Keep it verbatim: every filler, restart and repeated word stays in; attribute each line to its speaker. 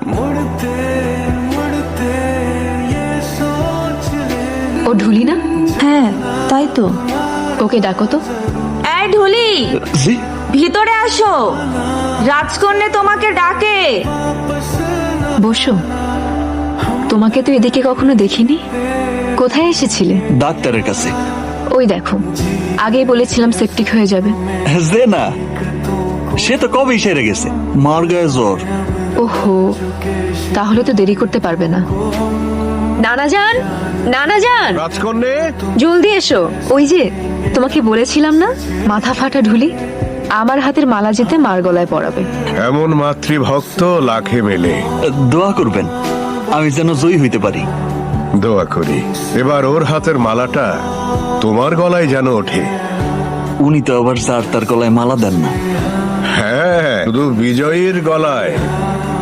Speaker 1: ও ঢুলি না?
Speaker 2: হ্যাঁ তাই তো।
Speaker 1: ওকে ডাকো তো।
Speaker 2: এই ঢুলি,
Speaker 3: জি
Speaker 2: ভিতরে আসো, রাজকন্যা তোমাকে ডাকে।
Speaker 1: বসো। তোমাকে তো এদিকে কখনো দেখিনি। কোথায় এসেছিলে?
Speaker 3: ডাক্তারের কাছে।
Speaker 1: ওই দেখো, আগেই বলেছিলাম সেপটিক হয়ে যাবে।
Speaker 3: যে না, সে তো কবেই সেরে গেছে। মার গায়ে জ্বর।
Speaker 1: ওহো, তাহলে তো দেরি করতে পারবে না। নানা যান, নানা যান,
Speaker 4: রাজকন্যে,
Speaker 1: জলদি এসো। ওই যে তোমাকে বলেছিলাম না, মাথা ফাটা ঢুলি আমার হাতের মালা যেতে মার গলায় পরাবে।
Speaker 4: এমন মাতৃভক্ত লাখে মেলে।
Speaker 3: দোয়া করবেন আমি যেন জয়ী হইতে পারি।
Speaker 4: দোয়া করি এবার ওর হাতের মালাটা তোমার গলায় যেন ওঠে।
Speaker 3: উনি তো আবার স্যার তার গলায় মালা দেন না।
Speaker 4: হ্যাঁ, শুধু বিজয়ীর গলায়